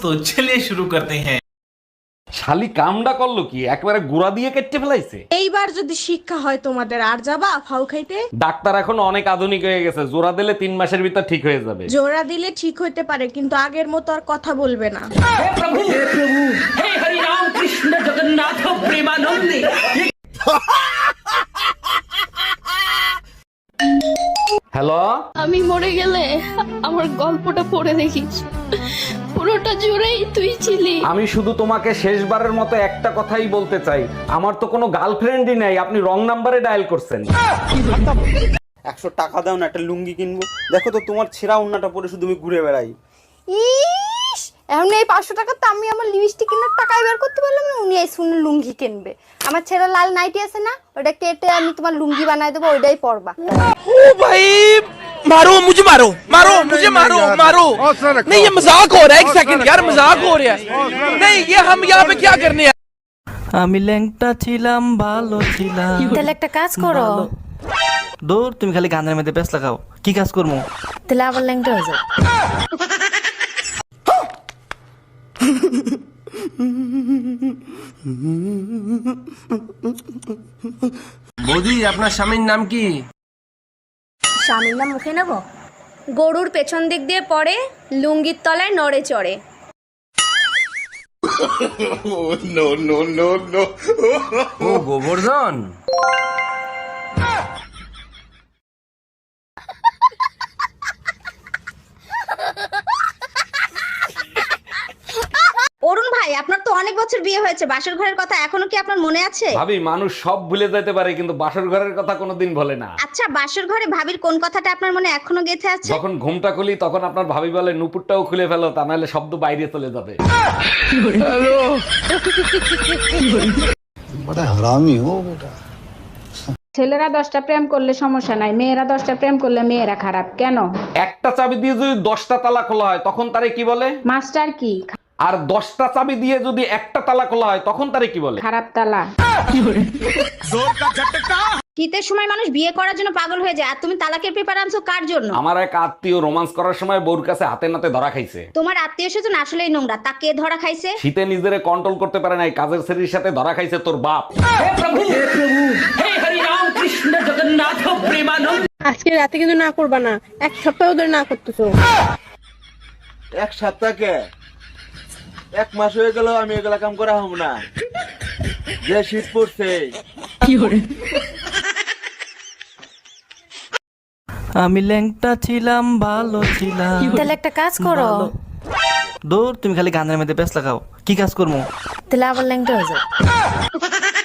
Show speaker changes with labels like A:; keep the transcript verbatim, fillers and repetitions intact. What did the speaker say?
A: तो चलिए शुरू करते हैं।
B: শালি কামডা করলো কি, একবারে গুড়া দিয়ে কেটে ফেলাইছে।
C: এইবার যদি শিক্ষা হয় তোমাদের, আর যাবা ফাউ খাইতে?
B: ডাক্তার এখন অনেক আধুনিক হয়ে গেছে, জোড়া দিলে তিন মাসের ভিতর ঠিক হয়ে যাবে।
C: জোড়া দিলে ঠিক হইতে পারে, কিন্তু আগের মতো আর কথা বলবে না।
B: হ্যালো,
D: আমি মরে গেলে আমার গল্পটা পড়ে দেখিস, পুরোটা জুড়েই তুই ছিলি।
B: আমি শুধু তোমাকে শেষবারের মতো একটা কথাই বলতে চাই, আমার তো কোনো গার্লফ্রেন্ডই নাই, আপনি রং নাম্বারে ডায়াল করছেন।
E: একশো টাকা দাও না, একটা লুঙ্গি কিনবো। দেখো তো তোমার ছেঁড়া ওন্নাটা পরে শুধু আমি ঘুরে বেড়াই।
F: ইস, এখন এই পাঁচশো টাকা তো আমি আমার লিপস্টিক কেনার টাকাই বের করতে পারলাম না, উনি এই শুনে লুঙ্গি কিনবে। আমার ছেলে লাল নাইটি আছে না, ওটা কেটে আমি তোমার লুঙ্গি বানাই দেবো, ওইটাই পরবা।
G: ओ भाई मारो मुझे, मारो मारो मुझे, मारो मारो। नहीं ये मजाक हो रहा है, एक सेकंड यार, मजाक हो रहा है। नहीं ये हम यहाँ पे क्या करने हैं।
H: আমি ল্যাংটা ছিলাম, ভালো ছিলাম।
F: তাহলে একটা কাজ করো,
H: দূর, তুমি খালি গানের মধ্যে ব্যস্ত লাগাও, কি কাজ করবো?
F: তাহলে আবার ল্যাংটা হয়ে যাও।
G: বৌদি আপনার স্বামীর নাম কি?
I: স্বামীর নাম মুখে নেব? গরুর পেছন দিক দিয়ে পড়ে, লুঙ্গির তলায় নড়ে চড়ে।
G: ও গোবর্ধন।
I: অরুণ ভাই, আপনার তো অনেক বছর বিয়ে হয়েছে, বাসর ঘরের কথা এখনো কি আপনার মনে আছে?
B: ভাবি, মানুষ সব ভুলে যেতে পারে কিন্তু বাসর ঘরের কথা কোনোদিন ভোলে না।
I: আচ্ছা, বাসর ঘরে ভাবির কোন কথাটা আপনার মনে এখনো গেঁথে আছে?
B: যখন ঘুমটা খুলি তখন আপনার ভাবি বলে নুপুরটাও খুলে ফেলো, তা নাহলে শব্দ বাইরে চলে যাবে।
J: ছেলেরা দশটা প্রেম করলে সমস্যা নাই, মেয়েরা দশটা প্রেম করলে মেয়েরা খারাপ কেন?
B: একটা চাবি দিয়ে যদি দশটা তালা খোলা হয় তখন তারে কি বলে?
J: মাস্টার কি?
B: আর দশটা চাবি দিয়ে যদি একটা তালা খোলা হয় তখন তারে কি বলে?
J: খারাপ তালা।
I: শীতের সময় মানুষ বিয়ে করার জন্য পাগল হয়ে যায়, আর তুমি তালাকের পেপার আনছো কার জন্য?
B: আমার এক আত্মীয় রোমান্স করার সময় বউর কাছে হাতে নাতে ধরা খাইছে।
I: তোমার আত্মীয় স্বজন আসলেই নোংরা, তা কে ধরা খাইছে?
B: শীতে নিজেরে কন্ট্রোল করতে পারে নাই, কাজের ছেলের সাথে ধরা খাইছে তোর বাপ।
C: আজকে রাতে কিন্তু না করবা না, এক সপ্তাহ ধরে না করতেছো।
E: এক সপ্তাহকে এক মাস হয়ে গেল আমি এগুলা কাম করা হব না, যে শীত পড়ছে।
H: আমি ল্যাংটা ছিলাম, ভালো ছিলাম।
F: তাহলে একটা কাজ করো,
H: দূর, তুমি খালি গানের মধ্যে ব্যস্ত লাগাও, কি কাজ করবো?
F: তাহলে আবার ল্যাংটা হয়ে যাও।